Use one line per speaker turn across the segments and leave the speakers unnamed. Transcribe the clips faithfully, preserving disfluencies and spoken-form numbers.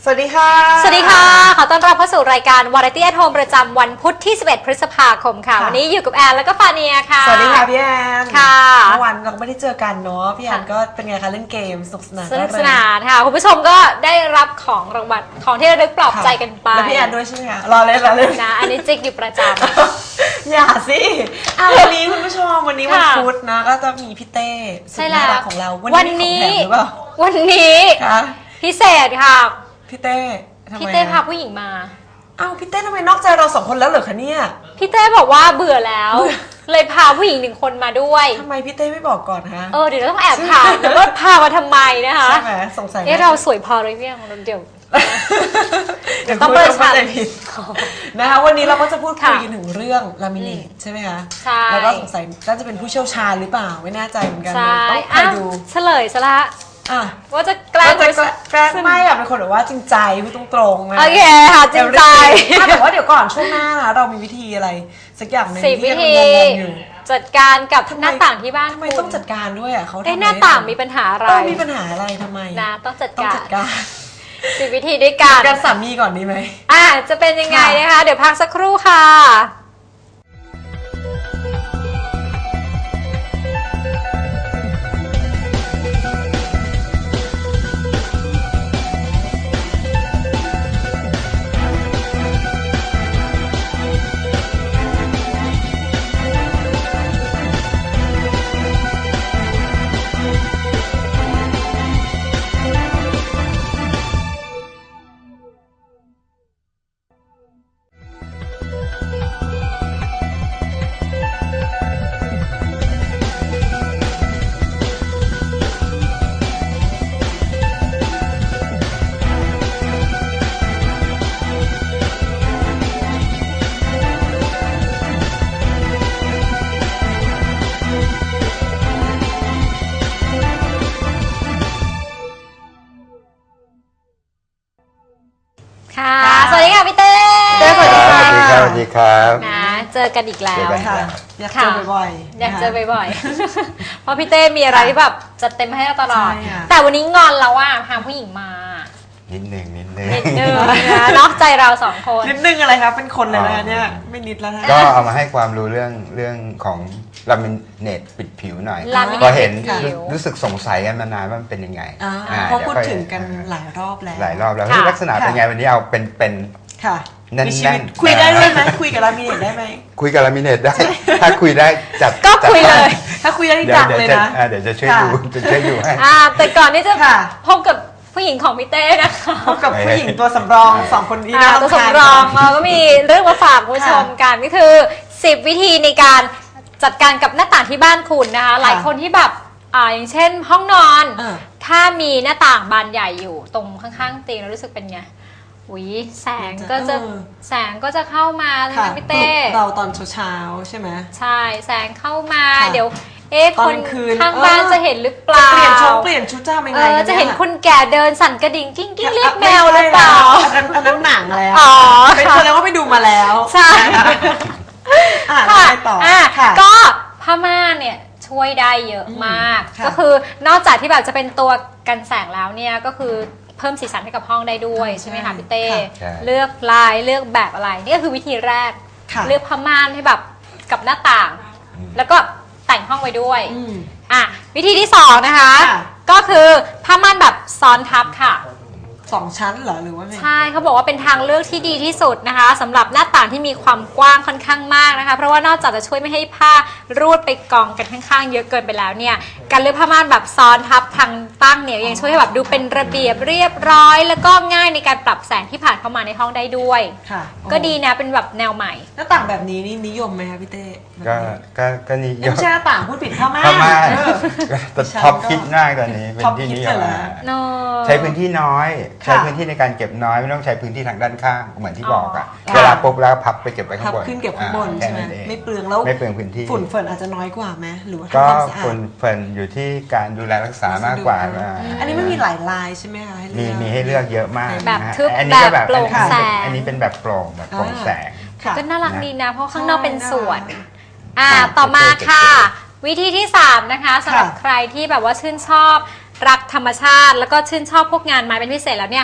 สวัสดีค่ะ
สวัสดีค่ะขอต้อนรับเข้าสู่รายการ Variety at Home ประจำวันพุธที่สิบเอ็ดพฤษภาคมค่ะวันนี้อยู่กับแอนแล้วก็ฟาเนียค่ะ
สวัสดีค่ะพี่แอน
ค่ะ
เมื่อวันเราไม่ได้เจอกันเนาะพี่แอนก็เป็นไงคะเล่นเกมสนุกสนาน
สนุกสนานค่ะคุณผู้ชมก็ได้รับของรางวัลของที่ระลึกปลอบใจกันไป
แล้วพี่แอนด้วยใช่ไหมคะรอเล่นรอเล่น
นะอันนี้จิกอยู่ประจ
ำอย่าสิอ่ะวันนี้คุณผู้ชมวันนี้วันพุธนะก็จะมีพี่เต้สุดน่ารักของเรา
วันนี้
หรือเปล่า
วันนี้พิเศษค่ะ
พี่เต้
พี่เต้พาผู้หญิงมา
อ้าวพี่เต้ทำไมนอกใจเราสองคนแล้วเหรอคะเนี่ย
พี่เต้บอกว่าเบื่อแล้วเลยพาผู้หญิงหนึ่งคนมาด้วย
ทำไมพี่เต้ไม่บอกก่อนคะ
เออเดี๋ยวเราต้องแอบถามแต่ว่าพามาทำไมนะคะ
ใช่ไหมสงสัย
เอ๊ะเราสวยพอหรือยังเราเดี๋ยว
เดี๋ยวต้องเปิดชาเลนจ์นะคะวันนี้เราก็จะพูดคุยกันถึงเรื่องลามิเนตใช่ไหมคะ
ใช่
แล้วก็สงสัยน่าจะเป็นผู้เชี่ยวชาญหรือเปล่าไม่แน่ใจเหมือนกันต้องไปดู
เฉลยซะละว่าจะแกล้ง
แกล้งไม่แบบเป็นคนแบบว่าจริงใจพูดตรงๆนะ
โอเคค่ะจริงใจ
แต่ว่าเดี๋ยวก่อนช่วงหน้านะเรามีวิธีอะไรสักอย่างหนึ่ง
ที่วิธีจัดการกับหน้าต่างที่บ้าน
ทำไมต้องจัดการด้วยอ่ะเขา
เอ๊ะหน้าต่างมีปัญหาอะไร
มีปัญหาอะไรทำไม
นะต้องจัดการสิ
บ
วิธีด้วยกัน
การสามีก่อนดีไหม
อ่ะจะเป็นยังไงนะคะเดี๋ยวพักสักครู่ค่ะสวัสดีค่ะพี่เต้
สวัสดีค่ะ
สวัสดีครับสวัสดีครับ
นะเจอกันอีกแล้ว
ค่ะอยากเจอบ่อย
ๆอยากเจอบ่อยๆเพราะพี่เต้มีอะไรที่แบบจัดเต็มให้เราตลอดแต่วันนี้งอนเราว่าพาผู้หญิงมา
นิดนึงนิดนึง
นิดนึงนะนอกใจเราสองคน
นิดนึงอะไรครับเป็นคนเลยนะเนี่ยไม่นิดแล้วนะ
ก็เอามาให้ความรู้เรื่องเรื่องของลามิเนตปิดผิวหน่อย
ก็
เห็นรู้สึกสงสัยกันมานานว่ามันเป็นยังไง
เพราะพูดถึงกันหลายรอบแล้ว
หลายรอบแล้วลักษณะเป็นไงวันนี้เอาเป็นเป็น
ค่ะ
แน่น
ๆคุยได้ด้วยไหมคุยกับลามิเนตได้ไหม
คุยกับลามิเนตได้ถ้าคุยได้จัด
ก็คุยเลย
ถ้าคุยได้จัดเลยนะ
เดี๋ยวจะช่วยดูจะช่วยดูให้
แต่ก่อนที่จะพบกับผู้หญิงของพี่เต้นะคะ
พบกับผู้หญิงตัวสำรองสองคนนี้นะ
ตัวสำรองเราก็มีเรื่องมาฝากผู้ชมกันก็คือสิบวิธีในการจัดการกับหน้าต่างที่บ้านคุณนะคะหลายคนที่แบบอ่าอย่างเช่นห้องนอนถ้ามีหน้าต่างบานใหญ่อยู่ตรงข้างๆเตียงเรารู้สึกเป็นไงอุ้ยแสงก็จะแสงก็จะเข้ามาใช่ไหมพี่เต้
เราตอนเช้าใช่ไหม
ใช่แสงเข้ามาเดี๋ยวเอ๊ะคนข้างบ้านจะเห็นหรือเปล่า
เปลี่ยนชุดเปลี่ยนชุดจ้าไม่ไง
จะเห็นคนแก่เดินสั่นกระดิ่งกิ้งกิ้งเรียกแมวหรือเปล่า
อันนั้นหนังแล้วเป็นคนแล้วว่าไปดูมาแล้ว
ใช่
ค่ะต่อ
ก็ผ้าม่านเนี่ยช่วยได้เยอะมากก็คือนอกจากที่แบบจะเป็นตัวกันแสงแล้วเนี่ยก็คือเพิ่มสีสันให้กับห้องได้ด้วยใช่ไหมคะพี่เต้เลือกลายเลือกแบบอะไรนี่ก็คือวิธีแรกเลือกผ้าม่านให้แบบกับหน้าต่างแล้วก็แต่งห้องไว้ด้วยอ่ะวิธีที่สองนะคะก็คือผ้าม่านแบบซ้อนทับค่ะ
สองชั้นเหรอหรือว่าไง
ใช่เขาบอกว่าเป็นทางเลือกที่ดีที่สุดนะคะสำหรับหน้าต่างที่มีความกว้างค่อนข้างมากนะคะเพราะว่านอกจากจะช่วยไม่ให้ผ้ารูดไปกองกันข้างๆเยอะเกินไปแล้วเนี่ยการเลือกผ้าม่านแบบซ้อนทับทางตั้งเนี่ยยังช่วยให้แบบดูเป็นระเบียบเรียบร้อยแล้วก็ง่ายในการปรับแสงที่ผ่านเข้ามาในห้องได้ด้วย
ค่ะ
ก็ดีนะเป็นแบบแนวใหม่
หน้าต่างแบบนี้นี่นิยมไหมคะพี่เต้
ก็ก็ก็นิยม
ไม่ใช่หน้าต่างพูดผิดผ้าม่าน
ผ้าม่านแต่ท็อปฮิตมากตอนนี้เป็นที่นิยมใช้พื้นที่น้อยใช้พื้นที่ในการเก็บน้อยไม่ต้องใช้พื้นที่ทางด้านข้างเหมือนที่บอกอะเวลาปุ๊บแล้วพับไปเก็บไว้ข้างบน
ขึ้นเก็บข้างบนใช่ไหมไม่เปลืองแล้ว
ไม่เปลืองพื้นที่
ฝุ่นเฟิร์นอาจจะน้อยกว่าไหมหรือว่า
ก็ฝุ่นเฟิร์นอยู่ที่การดูแลรักษามากกว่า
อันนี้มันมีหลายลายใช่ไหมคะ
มีมีให้เลือกเยอะมาก
แบบทึบแบบโปร่งแสง
อันนี้เป็นแบบโปร่งแบบโปร่งแสง
ก็น่ารักดีนะเพราะข้างนอกเป็นสวนอ่าต่อมาค่ะวิธีที่สามนะคะสำหรับใครที่แบบว่าชื่นชอบรักธรรมชาติแล้วก็ชื่นชอบพวกงานไม้เป็นพิเศษแล้วเนี่ย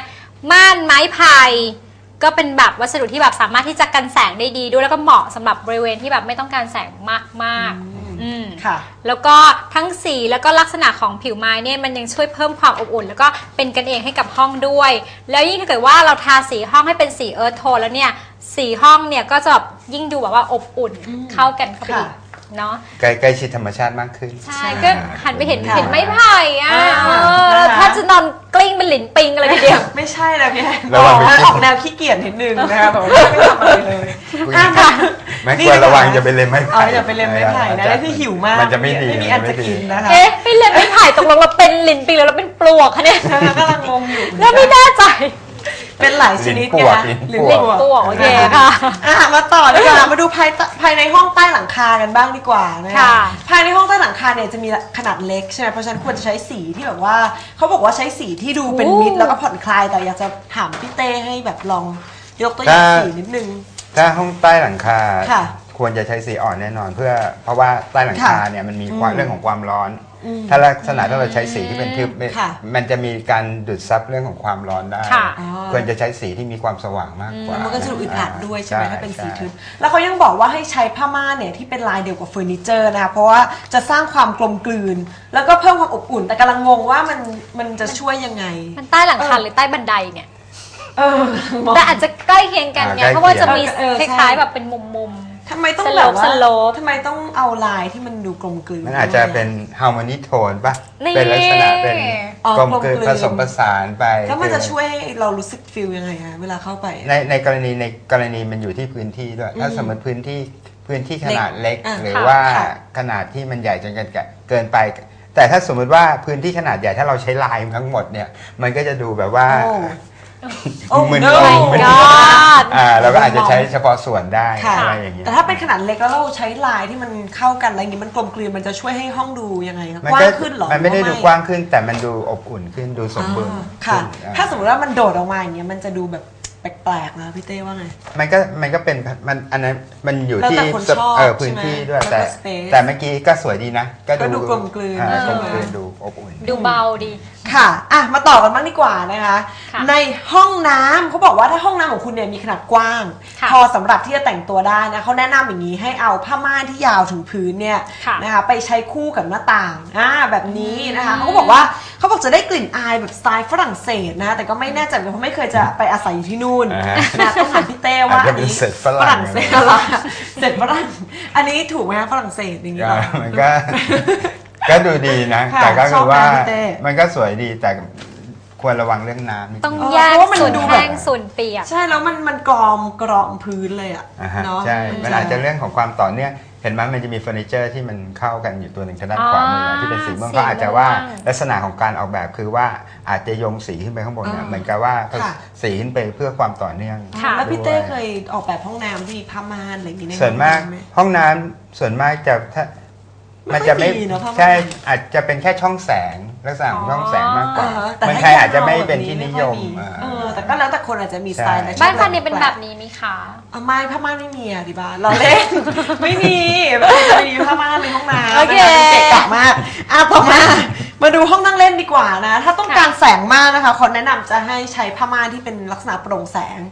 ม่านไม้ไผ่ก็เป็นแบบวัสดุที่แบบสามารถที่จะกันแสงได้ดีด้วยแล้วก็เหมาะสำหรับบริเวณที่แบบไม่ต้องการแสงมากๆอืม
ค่ะ
แล้วก็ทั้งสีแล้วก็ลักษณะของผิวไม้เนี่ยมันยังช่วยเพิ่มความอบอุ่นแล้วก็เป็นกันเองให้กับห้องด้วยแล้วยิ่งถ้าเกิดว่าเราทาสีห้องให้เป็นสีเอิร์ธโทนแล้วเนี่ยสีห้องเนี่ยก็จะยิ่งดูแบบว่าอบอุ่นเข้ากันเข้าไปอีกเนาะ
ใกล้ใกล้ชิดธรรมชาติมากขึ้น
ใช่ก็หันไปเห็นเห็นไม้ไผ่อ่ะถ้าจะนอนกลิ้งเป็นหลินปิงอะไรทีเดียว
ไม่ใช่นะพี่แอนออกแนวขี้เกียจนิดนึงนะคะแบบไม่ทำอะไรเลย
ไม่ควรระวังอย่าไปเล็มไม้ไผ่
อย่าไปเล็มไม้ไผ่นะนั่นคือหิวมาก
มันจะไม่ดี
ไม่มีอันจะกินนะคะ
เอ๊ะไม่เล็มไม้ไผ่ตกลงเราเป็นหลินปิงแล้วเราเป็นปลวกคะเนี่ย
กำลังงงอยู่
แล้วไม่แน่ใจ
เป็นหลายชนิดไงคะ
หรือเป็นปลวกโอเคค่ะ
มาต่อดีกว่ามาดูภายภายในห้องใต้หลังคากันบ้างดีกว่านะคะภายในห้องใต้หลังคาเนี่ยจะมีขนาดเล็กใช่ไหมเพราะฉะนั้นควรจะใช้สีที่แบบว่าเขาบอกว่าใช้สีที่ดูเป็นมิตรแล้วก็ผ่อนคลายแต่อยากจะถามพี่เต้ให้แบบลองยกตัวอย่างสีนิดนึง
ถ้าห้องใต้หลังคาควรจะใช้สีอ่อนแน่นอนเพื่อเพราะว่าใต้หลังคาเนี่ยมันมีความเรื่องของความร้อนถ้าลักษณะถ้าเราใช้สีที่เป็นทึบมันจะมีการดูดซับเรื่องของความร้อนได้ควรจะใช้สีที่มีความสว่างมากกว่า
มันก็จะดูอึดอัดด้วยใช่ไหมถ้าเป็นสีทึบแล้วเขายังบอกว่าให้ใช้ผ้าม่านเนี่ยที่เป็นลายเดียวกับเฟอร์นิเจอร์นะคะเพราะว่าจะสร้างความกลมกลืนแล้วก็เพิ่มความอบอุ่นแต่กำลังงงว่ามันมันจะช่วยยังไง
มันใต้หลังคาหรือใต้บันไดเนี่ยแต่อาจจะใกล้เคียงกันไงเพราะว่าจะมีคล้ายๆแบบเป็นมุม
ทำไมต้องแบบว่าทำไมต้องเอาลายที่มันดูกลมกลืน
มันอาจจะเป็นฮาร์โมนีโทนป่ะเป็นลักษณะเป็นกลมกลืนผสมผสานไป
แล้วมันจะช่วยให้เรารู้สึกฟีลยังไงคะเวลาเข้าไป
ในในกรณีในกรณีมันอยู่ที่พื้นที่ด้วยถ้าสมมติพื้นที่พื้นที่ขนาดเล็กหรือว่าขนาดที่มันใหญ่จนเกินไปแต่ถ้าสมมติว่าพื้นที่ขนาดใหญ่ถ้าเราใช้ลายทั้งหมดเนี่ยมันก็จะดูแบบว่ามึนงอ่าเราก็อาจจะใช้เฉพาะส่วนได้อะไรอย่างเงี้ย
แต่ถ้าเป็นขนาดเล็กแล้วเราใช้ลายที่มันเข้ากันอะไรอย่างงี้มันกลมกลืนมันจะช่วยให้ห้องดูยังไงครับกว้างขึ้นหรอ
มันไม่ได้ดูกว้างขึ้นแต่มันดูอบอุ่นขึ้นดูสมบูรณ์
ค่ะถ้าสมมติว่ามันโดดออกมาอย่างเงี้ยมันจะดูแบบแปลกๆนะพี่เต้ว่าไง
มันก็มันก็เป็นมันอันนั้นมันอยู่ที่เออพื้นที่ด้วยแต่แต่เมื่อกี้ก็สวยดีนะ
ก็ดูกลมกลืน
กลมกลืนดูอบอุ่น
ดูเบาดี
ค่ะอ่ะมาต่อกันบ้างดีกว่านะคะในห้องน้ำเขาบอกว่าถ้าห้องน้ำของคุณเนี่ยมีขนาดกว้างพอสำหรับที่จะแต่งตัวได้นะเขาแนะนำอย่างนี้ให้เอาผ้าม่านที่ยาวถึงพื้นเนี่ยนะคะไปใช้คู่กับหน้าต่างอ่าแบบนี้นะคะเขาบอกว่าเขาบอกจะได้กลิ่นอายแบบสไตล์ฝรั่งเศสนะแต่ก็ไม่แน่ใจเพราะไม่เคยจะไปอาศัยอยู่ที่นู่นนะต้องถามพี่เต้ว่าอันนี้ฝรั่งเศสอะไรเศสฝรั่งอันนี้ถูกไหมฝรั่งเศสอย่างนี้
มันก็ก็ดูดีนะแต่ก็คือว่ามันก็สวยดีแต่ควรระวังเรื่องน้ำ
ต้องแยกส่วนแห้งส่วนเปียก
ใช่แล้วมันมันกรอมกรอมพื้นเลยอ่ะ
เนาะใช่มันอาจจะเรื่องของความต่อเนื่องเห็นไหมมันจะมีเฟอร์นิเจอร์ที่มันเข้ากันอยู่ตัวหนึ่งทางด้านขวามือที่เป็นสีม่วงก็อาจจะว่าลักษณะของการออกแบบคือว่าอาจจะโยงสีขึ้นไปข้างบนเนี่ยเหมือนกับว่าสีขึ้นไปเพื่อความต่อเนื่อง
แล้วพี่เต้เคยออกแบบห้องน้ำที่ผ้าม่านอะไรอย่างนี้
ส่วนมากห้องน้ำส่วนมากจะถ้ามันจะไม่ใช่อาจจะเป็นแค่ช่องแสงลักษณะของช่องแสงมากกว่ามันใครอาจจะไม่เป็นที่นิยม
แต่ก็แล้วแต่คนอาจจะมีสไตล์
บ้านคันนี้เป็นแบบนี้มีค่ะ
ไม่ผ้าม่านไม่มีอ่ะดิบ้านเราเล่นไม่มีไม่มีผ้าม่านในห้องน้ำโอเคเก๋กะมากอ่ะต่อมามาดูห้องนั่งเล่นดีกว่านะถ้าต้องการแสงมากนะคะคนแนะนำจะให้ใช้ผ้าม่านที่เป็นลักษณะโปร่งแสง